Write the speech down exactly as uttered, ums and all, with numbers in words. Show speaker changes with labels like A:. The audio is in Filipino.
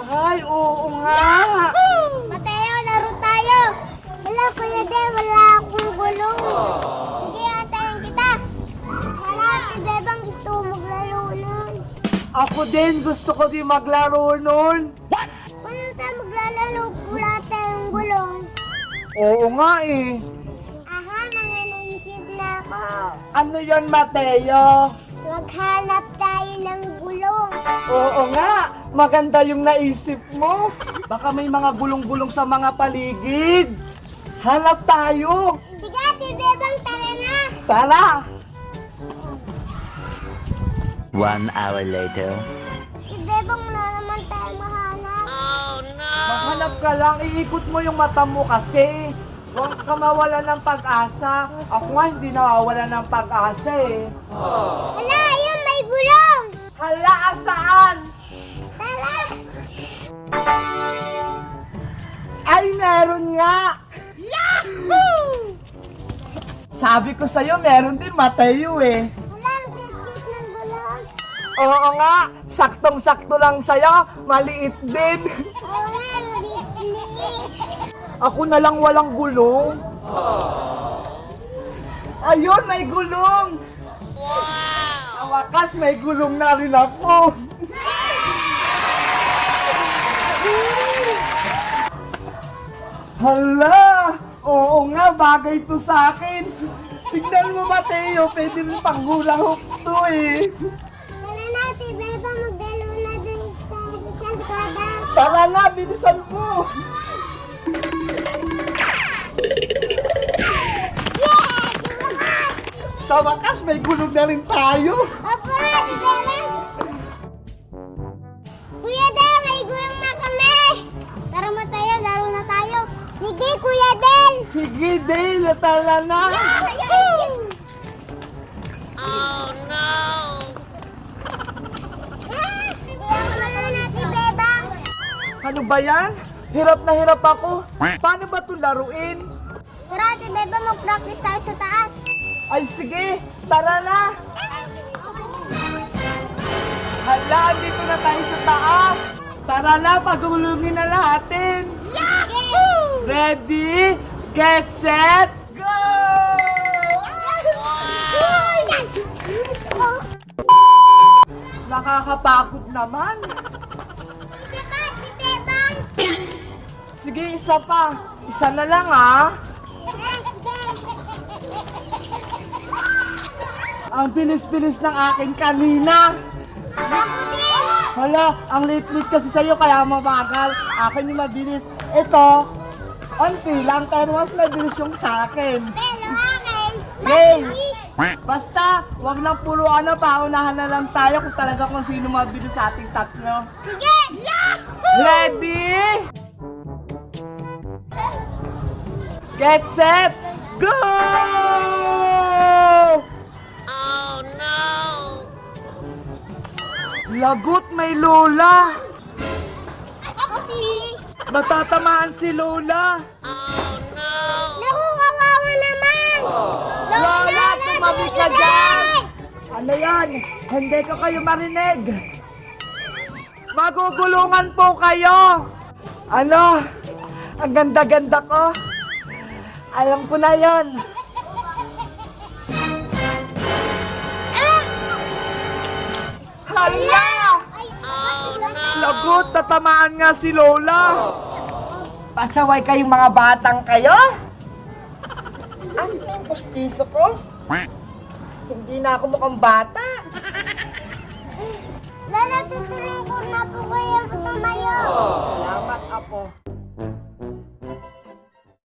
A: Ay, oo nga.
B: Mateo, laro tayo. Wala, Kuya Del, wala akong gulong. Sige, antayin kita. Hala, si Bebang gusto maglaro nun.
A: Ako din, gusto ko din maglaro nun.
B: Wala tayo maglalaro, wala tayong gulong.
A: Oo nga eh.
B: Aha, mga naisip na ako.
A: Ano yon, Mateo?
B: Maghanap tayo ng gulong.
A: Oo nga, maganda yung naisip mo. Baka may mga gulong-gulong sa mga paligid. Hanap tayo.
B: Sige, si Bebang, tara na.
A: Tara.
C: One hour later.
B: Si Bebang na naman tayo mahanap.
A: Maghanap ka lang, iikot mo yung mata mo kasi. Huwag ka mawala ng pag-asa. Ako nga hindi nawawala ng pag-asa eh.
B: Hala, ayun, may gulong.
A: Hala, asaan?
B: Tara.
A: Ay, meron nga! Yahoo! Sabi ko sa'yo, meron din, Mateo eh.
B: Wala, ang cute ng gulong.
A: Oo nga, saktong-sakto lang sa'yo, maliit din.
B: Oo nga, liit-liit.
A: Ako na lang walang gulong. Ayun, may gulong! Wow! Sa wakas, may gulong na rin ako. Hala! Oo nga, bagay to sa akin. Tignan mo, Mateo, pwede rin pang hula hoop to eh.
B: Tara na, si Beba, magdalo na dun sa kalsada.
A: Tara na, bilisan mo.
B: Yeah! Sumakas!
A: Sa wakas, may gulong na rin tayo.
B: Opo, si Beba. Kuya Del, may gulong na kami. Tara mo tayo, laro na tayo. Sige, Kuya Del.
A: Sige, Dale, tara na.
B: Oh, no! Ah, hindi ako laro na si Beba.
A: Ano ba yan? Hirap na hirap ako. Paano ba ito laruin?
B: Tara, si Beba, mag-practice tayo sa taas.
A: Ay sige, tara na. Hala, dito na tayo sa taas. Tara na, pagulungin na natin.
B: Sige!
A: Ready, get set, go!
B: Oh,
A: Nakakapagod naman.
B: sige pa, si Beba.
A: Sige, isa pa. Isa na lang ah. Ang bilis-bilis ng akin kanina.
B: Ako din!
A: Hala, ang late-late kasi sa'yo kaya mabagal. Akin yung mabilis. Ito, onti lang pero mas mabilis yung sa akin.
B: Pero akin,
A: Yay!
B: mabilis.
A: Basta, wag lang puro ano, paunahan na lang tayo kung talaga kung sino mabilis sa ating tatlo.
B: Sige!
A: Ready? Get set, go!
B: Oh no!
A: Lagot, may Lola.
B: Ako si...
A: Matatamaan si Lola.
B: Naku, kawawa naman!
A: Lola, tumabi ka dyan! Ano yan? Hindi ko kayo marinig. Magugulungan po kayo. Ano? Ang ganda-ganda ko. Alam ko na yon. Hala! Lagot, tatamaan nga si Lola. Pasaway kayong mga batang kayo? Ano yung pustiso ko? Hindi na ako mukhang bata.